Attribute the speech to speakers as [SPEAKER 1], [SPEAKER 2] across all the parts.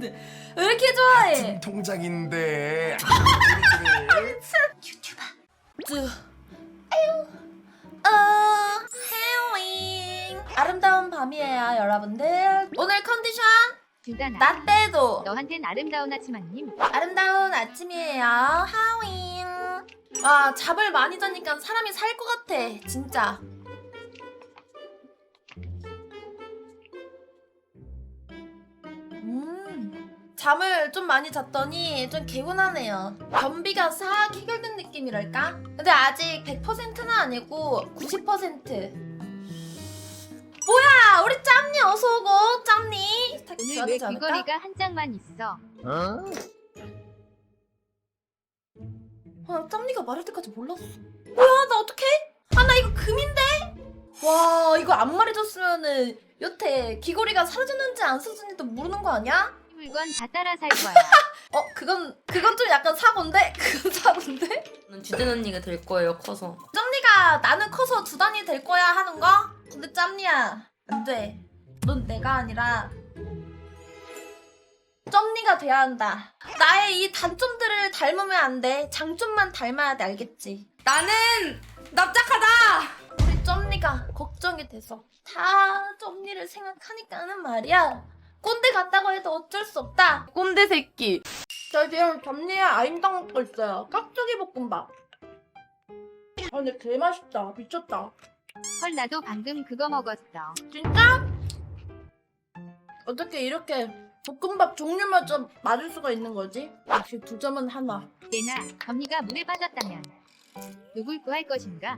[SPEAKER 1] 좋아하는데 왜 이렇게 좋아해?
[SPEAKER 2] 통장인데.
[SPEAKER 1] 유튜버. 해링. 아름다운 밤이에요, 여러분들. 오늘 컨디션
[SPEAKER 3] 주단아,
[SPEAKER 1] 나 때도
[SPEAKER 3] 너한텐 아름다운 아침아님.
[SPEAKER 1] 아름다운 아침이에요. 하윙. 와, 잠을 많이 자니까 사람이 살 것 같아, 진짜. 잠을 좀 많이 잤더니 좀 개운하네요. 변비가 싹 해결된 느낌이랄까? 근데 아직 100%는 아니고 90%. 뭐야, 우리 짬니 어서오고. 짬니
[SPEAKER 3] 오늘 왜 귀걸이가 한 장만 있어?
[SPEAKER 1] 아, 짬니가 말할 때까지 몰랐어. 뭐야, 나 어떡해? 아, 나 이거 금인데? 와, 이거 안 말해줬으면은 여태 귀걸이가 사라졌는지 안 사라졌는지도 모르는 거 아니야?
[SPEAKER 3] 이 물건 다 따라 살 거야.
[SPEAKER 1] 그건 좀 약간 사고인데? 그건 사고인데?
[SPEAKER 4] 주된 언니가 될 거예요, 커서.
[SPEAKER 1] 짬니가 나는 커서 두단이 될 거야 하는 거? 근데 짬니야, 안 돼. 넌 내가 아니라 점니가 돼야 한다. 나의 이 단점들을 닮으면 안 돼. 장점만 닮아야 돼, 알겠지?
[SPEAKER 4] 나는 납작하다!
[SPEAKER 1] 우리 점니가 걱정이 돼서 다 점니를 생각하니까는 말이야. 꼰대 같다고 해도 어쩔 수 없다. 꼰대 새끼. 저 지금 점니에 아임당 먹고 있어요. 깍두기 볶음밥. 아, 근데 개 맛있다. 미쳤다.
[SPEAKER 3] 헐, 나도 방금 그거 먹었어.
[SPEAKER 1] 진짜? 어떻게 이렇게 볶음밥 종류마저 맞을 수가 있는 거지? 역시 두 점은 하나.
[SPEAKER 3] 얘나, 언니가 물에 빠졌다면 누굴 구할 것인가?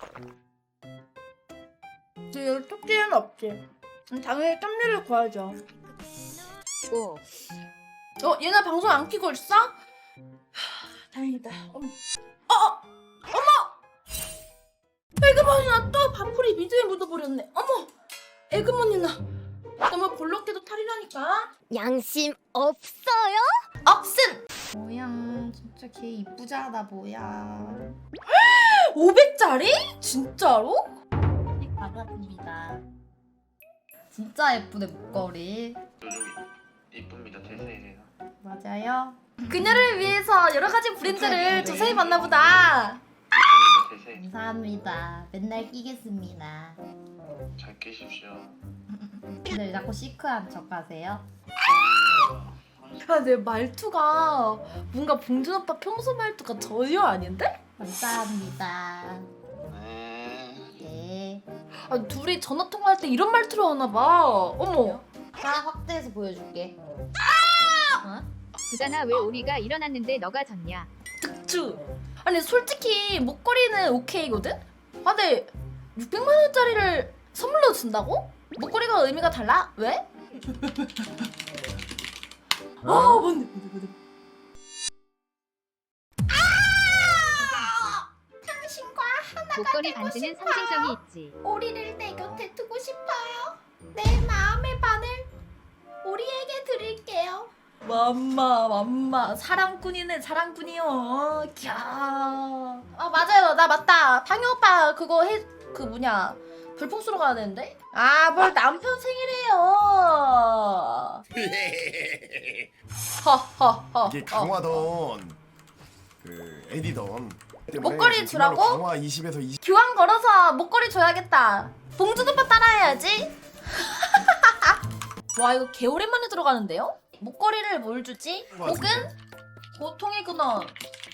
[SPEAKER 1] 지금 토끼는 없지. 당연히 짬니를 구하죠.
[SPEAKER 3] 오,
[SPEAKER 1] 얘네 방송 안 켜고 있어? 다행이다. 어머. 에그머니나 또 밥풀이 미드에 묻어버렸네. 어머. 에그머니나. 너무 볼록해도 탈이라니까.
[SPEAKER 5] 양심 없어요?
[SPEAKER 1] 억슨.
[SPEAKER 4] 뭐야, 진짜 걔 이쁘자다, 뭐야.
[SPEAKER 1] 500짜리? 진짜로?
[SPEAKER 4] 받았습니다. 진짜 예쁘네, 목걸이.
[SPEAKER 6] 요즘 이쁩니다. 대세예요.
[SPEAKER 4] 맞아요?
[SPEAKER 1] 그녀를 위해서 여러 가지 브랜드를 조사해 봤나 보다.
[SPEAKER 6] 이쁩니다. 대세.
[SPEAKER 4] 감사합니다. 맨날 끼겠습니다.
[SPEAKER 6] 잘 끼십시오.
[SPEAKER 4] 근데 왜 자꾸 시크한 척 하세요?
[SPEAKER 1] 야, 내 말투가 뭔가 봉준 오빠 평소 말투가 전혀 아닌데?
[SPEAKER 4] 감사합니다.
[SPEAKER 6] 네.
[SPEAKER 4] 네.
[SPEAKER 1] 아, 둘이 전화 통화할 때 이런 말투로 하나 봐. 어머.
[SPEAKER 4] 자, 확대해서 보여줄게.
[SPEAKER 3] 주단아, 왜 우리가 일어났는데 너가 졌냐?
[SPEAKER 1] 득주. 아니, 솔직히 목걸이는 오케이거든? 아, 근데 600만 원짜리를 선물로 준다고? 목걸이가 의미가 달라? 왜? 뭔데? 당신과
[SPEAKER 3] 목걸이 반지는 상징성이 있지.
[SPEAKER 1] 오리를 내 곁에 두고 싶어요. 내 마음의 반을 오리에게 드릴게요. 맘마 사랑꾼이네, 사랑꾼이요. 캬. 아, 맞아요, 나 맞다. 방효 오빠 그거 그 뭐냐, 별풍 쏘러 가야 되는데? 아, 뭘 남편 생일이에요. 허허허.
[SPEAKER 2] 이게 강화던 그 에디던.
[SPEAKER 1] 목걸이 주라고?
[SPEAKER 2] 강화 20에서 20.
[SPEAKER 1] 교환 걸어서 목걸이 줘야겠다. 봉준 오빠 따라해야지. 와, 이거 개 오랜만에 들어가는데요? 목걸이를 뭘 주지? 혹은 고통의 근원.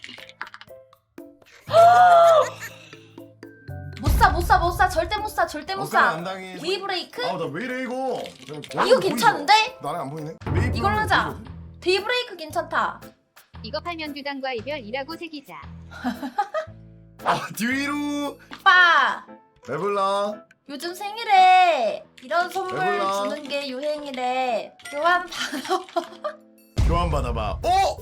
[SPEAKER 1] 못 사, 절대 못 사, 절대 못 사.
[SPEAKER 2] 안 당해.
[SPEAKER 1] 데이브레이크?
[SPEAKER 2] 아, 나 왜 이래 이거?
[SPEAKER 1] 이거 괜찮은데?
[SPEAKER 2] 나랑 안 보이네.
[SPEAKER 1] 이걸로 하자. 데이브레이크 괜찮다.
[SPEAKER 3] 이거 팔면 주단과 이별이라고 새기자.
[SPEAKER 2] 아, 뒤로.
[SPEAKER 1] 오빠,
[SPEAKER 2] 배불러.
[SPEAKER 1] 요즘 생일에 이런 선물
[SPEAKER 2] 배불러.
[SPEAKER 1] 주는 게 유행이래. 교환 받아.
[SPEAKER 2] 교환 받아봐.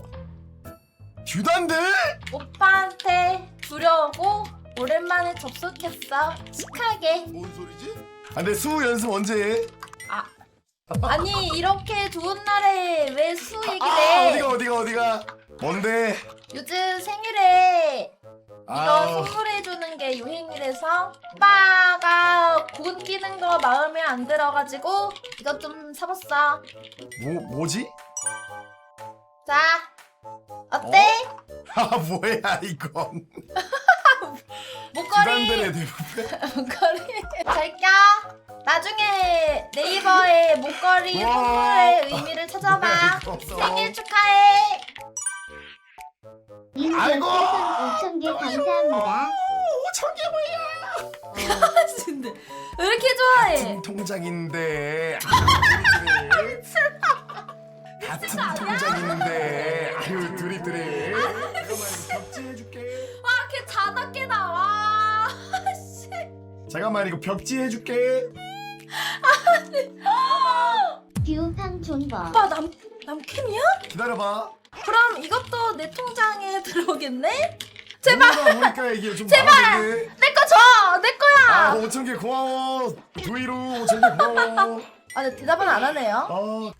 [SPEAKER 2] 듀단데?
[SPEAKER 1] 오빠한테 주려고 오랜만에 접속했어. 시크하게.
[SPEAKER 2] 뭔 소리지? 아, 근데 수우 연습 언제 해?
[SPEAKER 1] 아니, 이렇게 좋은 날에 왜 수 얘기를 해?
[SPEAKER 2] 어디가? 뭔데?
[SPEAKER 1] 요즘 생일에 이거
[SPEAKER 2] 아,
[SPEAKER 1] 선물해주는 게 유행이라서 오빠가 곤 끼는 거 마음에 안 들어가지고 이것 좀 사봤어.
[SPEAKER 2] 뭐지?
[SPEAKER 1] 자, 어때?
[SPEAKER 2] 아 뭐야 이건.
[SPEAKER 1] 목걸이.
[SPEAKER 2] 지단들의 대부분.
[SPEAKER 1] 목걸이. 잘 껴. 나중에 네이버에 목걸이
[SPEAKER 2] 와.
[SPEAKER 1] 선물의 의미를 찾아봐.
[SPEAKER 2] 뭐야, 이거.
[SPEAKER 1] 생일 축하해.
[SPEAKER 2] 아이고.
[SPEAKER 5] 5,000개 감사합니다.
[SPEAKER 2] 5,000개 뭐야.
[SPEAKER 1] 근데 왜 이렇게 좋아해?
[SPEAKER 2] 같은 통장인데. 같은 통장인데. 아유 드립드립. 잠깐만 벽지해줄게.
[SPEAKER 1] 와, 걔 자나깨 나와. 씨.
[SPEAKER 2] 잠깐만 이거 벽지해줄게.
[SPEAKER 5] 듀팡 존버.
[SPEAKER 1] 오빠 남캠이야?
[SPEAKER 2] 기다려봐.
[SPEAKER 1] 그럼 이것도 내 통장에 들어오겠네? 제발
[SPEAKER 2] 보니까 이게 좀 많아지네.
[SPEAKER 1] 내 거 줘! 내
[SPEAKER 2] 아
[SPEAKER 1] 거야!
[SPEAKER 2] 5,000개 고마워. 두이루 5,000개 고마워.
[SPEAKER 1] 아, 근데 대답은 안 하네요.
[SPEAKER 2] 아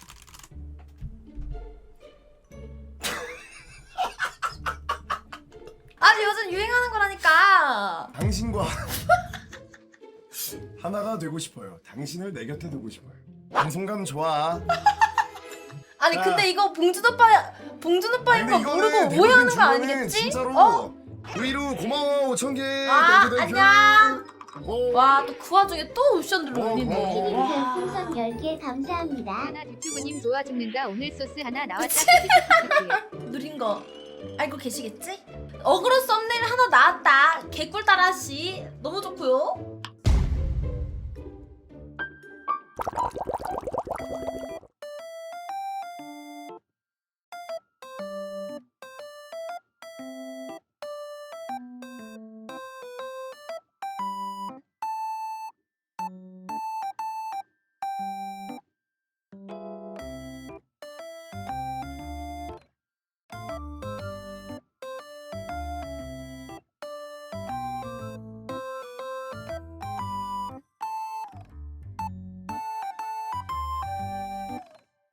[SPEAKER 1] 아니, 요즘 유행하는 거라니까.
[SPEAKER 2] 당신과 하나가 되고 싶어요. 당신을 내 곁에 두고 싶어요. 방송감 좋아.
[SPEAKER 1] 아니,
[SPEAKER 2] 자.
[SPEAKER 1] 근데 이거 봉준 오빠인 거 모르고
[SPEAKER 2] 대부분
[SPEAKER 1] 오해하는 거
[SPEAKER 2] 주변에
[SPEAKER 1] 아니겠지?
[SPEAKER 2] 진짜로
[SPEAKER 1] 어?
[SPEAKER 2] 두이루 고마워 5,000개.
[SPEAKER 1] 아, 안녕.
[SPEAKER 2] 어.
[SPEAKER 1] 와, 또 그 와중에 또 옵션들을
[SPEAKER 2] 어,
[SPEAKER 1] 올리네.
[SPEAKER 2] 어.
[SPEAKER 1] 와.
[SPEAKER 5] 별풍선 10개 감사합니다.
[SPEAKER 3] 하나 유튜브님 좋아 죽는다. 오늘 소스 하나 나왔다.
[SPEAKER 1] 누린 거 알고 계시겠지? 어그로 썸네일 하나 나왔다. 개꿀 따라씨 너무 좋고요.